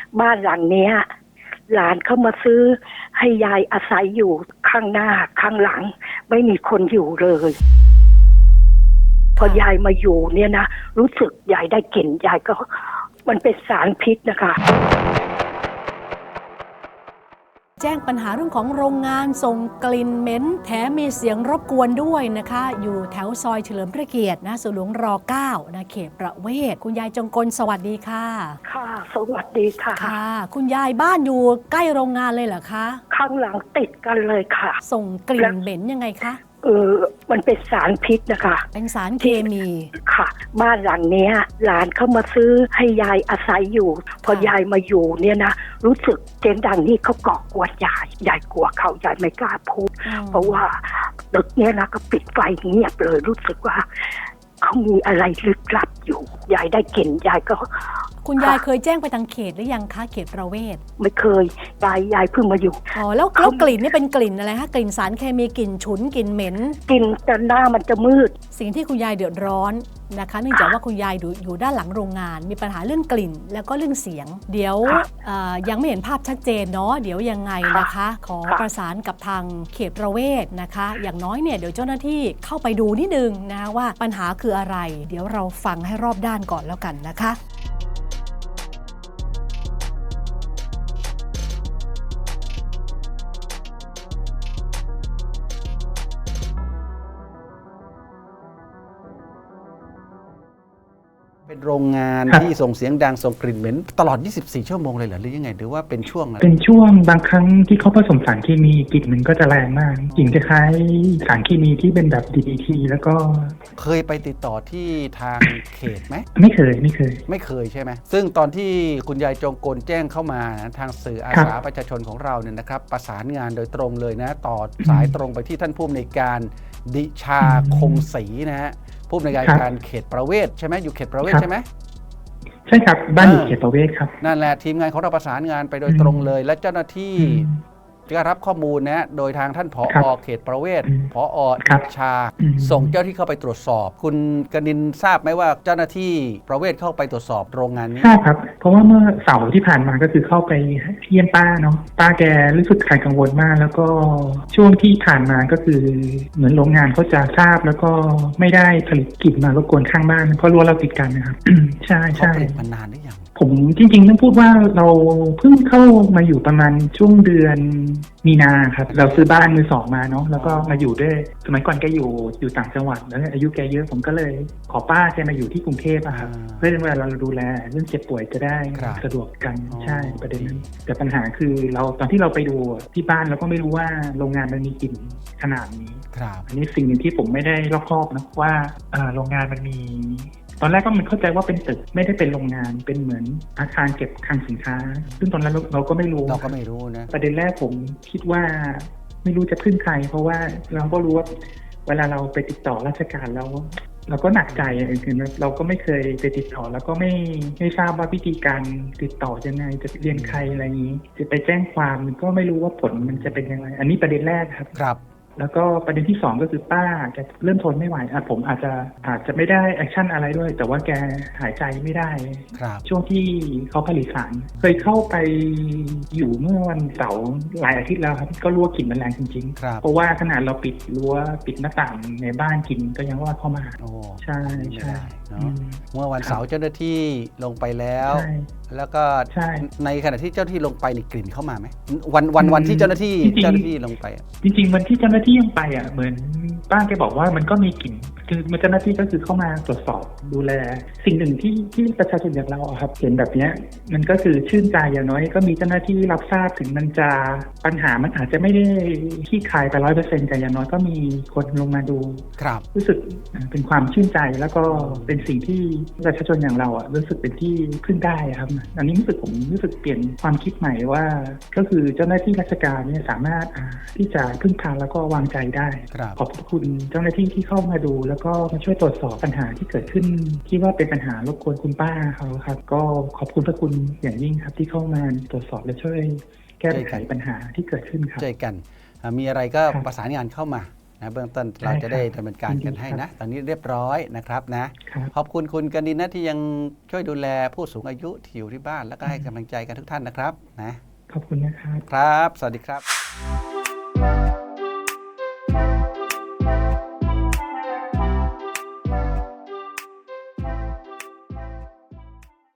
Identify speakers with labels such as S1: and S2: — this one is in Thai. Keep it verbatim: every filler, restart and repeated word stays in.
S1: บ้านหลังเนี้ยหลานเข้ามาซื้อให้ยายอาศัยอยู่ข้างหน้าข้างหลังไม่มีคนอยู่เลยพอยายมาอยู่เนี่ยนะรู้สึกยายได้กลิ่นยายก็มันเป็นสารพิษนะคะ
S2: แจ้งปัญหาเรื่องของโรงงานส่งกลิ่นเหม็นแถมมีเสียงรบกวนด้วยนะคะอยู่แถวซอยเฉลิมพระเกียรตินะสวนหลวงรเก้านะเขตประเวศคุณยายจงกลสวัสดีค่ะ
S1: ค่ะสวัสดีค่ะ
S2: ค่ะคุณยายบ้านอยู่ใกล้โรงงานเลยเหรอคะ
S1: ข้างหลังติดกันเลยค่ะ
S2: ส่งกลิ่นเหม็นยังไงคะ
S1: เออมันเป็นสารพิษนะคะ
S2: เป็นสารเคมี
S1: ค่ะบ้านหลังเนี้ยหลานเข้ามาซื้อให้ยายอาศัยอยู่พอยายมาอยู่เนี่ยนะรู้สึกเจนดังนี่เขาก่อกวนยายยายกลัวเขายายไม่กล้าพูดเพราะว่าตึกเนี้ยนะก็ปิดไฟเงียบเลยรู้สึกว่าเขามีอะไรลึกลับอยู่ยายได้กลิ่นยายก็
S2: คุณยายเคยแจ้งไปทางเขตหรือยังคะเขตประเวศ
S1: ไม่เคยยายยายเพิ่งมาอยู่
S2: อ๋อแล้วแล้วกลิ่นนี่เป็นกลิ่นอะไรคะกลิ่นสารเคมีกลิ่นฉุนกลิ่นเหม็น
S1: กลิ่นแต่หน้ามันจะมืด
S2: สิ่งที่คุณยายเดือดร้อนนะคะเนื่องจากว่าคุณยายอยู่ด้านหลังโรงงานมีปัญหาเรื่องกลิ่นแล้วก็เรื่องเสียงเดี๋ยวยังไม่เห็นภาพชัดเจนเนาะเดี๋ยวยังไงนะคะขอประสานกับทางเขตประเวศนะคะอย่างน้อยเนี่ยเดี๋ยวเจ้าหน้าที่เข้าไปดูนิดนึงนะว่าปัญหาคืออะไรเดี๋ยวเราฟังให้รอบด้านก่อนแล้วกันนะคะ
S3: เป็นโรงงานที่ส่งเสียงดังส่งกลิ่นเหม็นตลอดยี่สิบสี่ชั่วโมงเลยเหรอหรือยังไงหรือว่าเป็นช่วงอะไร
S4: เป็นช่วงบางครั้งที่เขาผสมสารเคมีกลิ่นมันก็จะแรงมากกลิ่นคล้ายสารเคมีที่เป็นแบบ ดี ดี ที แล้วก็
S3: เคยไปติดต่อที่ทางเขตไหม
S4: ไม่เคยไม่เคย
S3: ไม่เคยใช่ไหมซึ่งตอนที่คุณยายจงกลแจ้งเข้ามานะทางสื่ออาสาประชาชนของเราเนี่ยนะครับประสานงานโดยตรงเลยนะต่อสายตรงไปที่ท่านผู้อำนวยการดิชาคงศรีนะฮะผู้อำนวยการเขตประเวศใช่ไหมอยู่เขตประเวศใช่ไหม
S4: ใช่ครับบ้านอยู่เขตประเวศครับ
S3: นั่นแหละทีมงานของเราประสานงานไปโดยตรงเลยและเจ้าหน้าที่ก็รับข้อมูลนะโดยทางท่านผอ.เขตประเวศผอ.ดิชาส่งเจ้าที่เข้าไปตรวจสอบคุณกนินทราบไหมว่าเจ้าหน้าที่ประเวศเข้าไปตรวจสอบโรงงานนี้
S4: ทราบครับเพราะว่าเมื่อเสาร์ที่ผ่านมาก็คือเข้าไปเยี่ยมป้าเนาะป้าแกรู้สึกขาดกังวลมากแล้วก็ช่วงที่ผ่านมาก็คือเหมือนโรงงานเขาจะทราบแล้วก็ไม่ได้ผลิตกลิ่นมารบกวนข้างบ้านเพราะรั้วเราติดกันนะครับ ใช่ใช่
S3: ผลิตมานานหรือยัง
S4: ผมจริงๆต้องพูดว่าเราเพิ่งเข้ามาอยู่ประมาณช่วงเดือนมีนาครับเราซื้อบ้านมือสองมาเนาะแล้วก็มาอยู่ด้วยสมัยก่อนแกอยู่อยู่ต่างจังหวัดแล้วอายุแกเยอะผมก็เลยขอป้าแกมาอยู่ที่กรุงเทพอะครับเพื่อเวลาเราดูแลเรื่องเจ็บป่วยจะได้สะดวกกันใช่ประเด็นนั้นแต่ปัญหาคือเราตอนที่เราไปดูที่บ้านเราก็ไม่รู้ว่าโรงงานมันมีกลิ่นขนาดนี้อันนี้สิ่งหนึ่งที่ผมไม่ได้รอบคอบนะว่าโรงงานมันมีตอนแรกก็มันเข้าใจว่าเป็นตึกไม่ได้เป็นโรงงานเป็นเหมือนอาคารเก็บคลังสินค้าซึ่งตอนนั้นเราก็ไม่รู้
S3: เราก็ไม่รู้นะ
S4: ประเด็นแรกผมคิดว่าไม่รู้จะพึ่งใครเพราะว่าเราก็รู้ว่าเวลาเราไปติดต่อราชการแล้วเราก็หนักใจคือเราก็ไม่เคยไปติดต่อแล้วก็ไม่ไม่ทราบว่าวิธีการติดต่อยังไงจะเรียนใครอะไรอย่างนี้จะไปแจ้งความก็ไม่รู้ว่าผลมันจะเป็นยังไงอันนี้ประเด็นแรกครับ
S3: ครับ
S4: แล้วก็ประเด็นที่สองก็คือป้าแกเริ่มทนไม่ไหวอ่ะผมอาจจะอาจจะไม่ได้แอคชั่นอะไรด้วยแต่ว่าแกหายใจไม่ได้ช่วงที่เขาผลิตสารเคยเข้าไปอยู่เมื่อวันเสาร์หลายอาทิตย์แล้วครับก็รู้ว่ากลิ่นมันแรงจริงๆเพราะว่าขนาดเราปิดรั้วปิดหน้าต่างในบ้านกลิ่นก็ยังรอดเข้ามาใช่ใช่
S3: เมื่อวันเสาร์เจ้าหน้าที่ลงไปแล้วแล้วก็ในขณะที่เจ้าหน้าที่ลงไปนี่กลิ่นเข้ามาไหมวันวันวันที่เจ้าหน้าที่เจ้าหน้าที่ลงไป
S4: จริงๆวันที่เจ้าหน้าที่ลงไปอ่ะเหมือนป้าแกบอกว่ามันก็มีกลิ่นคือเจ้าหน้าที่ก็คือเข้ามาตรวจสอบดูแลสิ่งหนึ่งที่ที่ประชาชนอย่างเราครับเห็นแบบนี้มันก็คือชื่นใจอย่างน้อยก็มีเจ้าหน้าที่รับทราบถึงมันจะปัญหามันอาจจะไม่ได้ขี้คายไปร้อยเปอร์เซ็นต์แต่อย่างน้อยก็มีคนลงมาดูรู้สึกเป็นความชื่นใจแล้วก็เป็นสิ่งที่ประชาชนอย่างเราอ่ะรู้สึกเป็นที่พึ่งได้ครับอันนี้รู้สึกผมรู้สึกเปลี่ยนความคิดใหม่ว่าก็คือเจ้าหน้าที่ราชการเนี่ยสามารถที่จะพึ่งพาแล้วก็วางใจได้ขอบคุณเจ้าหน้าที่ที่เข้ามาดูแล้วก็มาช่วยตรวจสอบปัญหาที่เกิดขึ้นที่ว่าเป็นปัญหารบกวนคุณป้าเขาครับก็ขอบคุณพระคุณอย่างยิ่งครับที่เข้ามาตรวจสอบและช่วยแก้ไขปัญหาที่เกิดขึ้นครับ
S3: ใจกันมีอะไรก็ประสานงานเข้ามานะเบื้องต้นเราจะได้ดำเนินการกันให้นะตอนนี้เรียบร้อยนะครับนะครับ ขอบคุณคุณกนินนะที่ยังช่วยดูแลผู้สูงอายุที่อยู่ที่บ้านแล้วก็ให้กำลังใจกันทุกท่านนะครับนะ
S4: ขอบคุณนะครับ
S3: ครับ สวัสดีครับ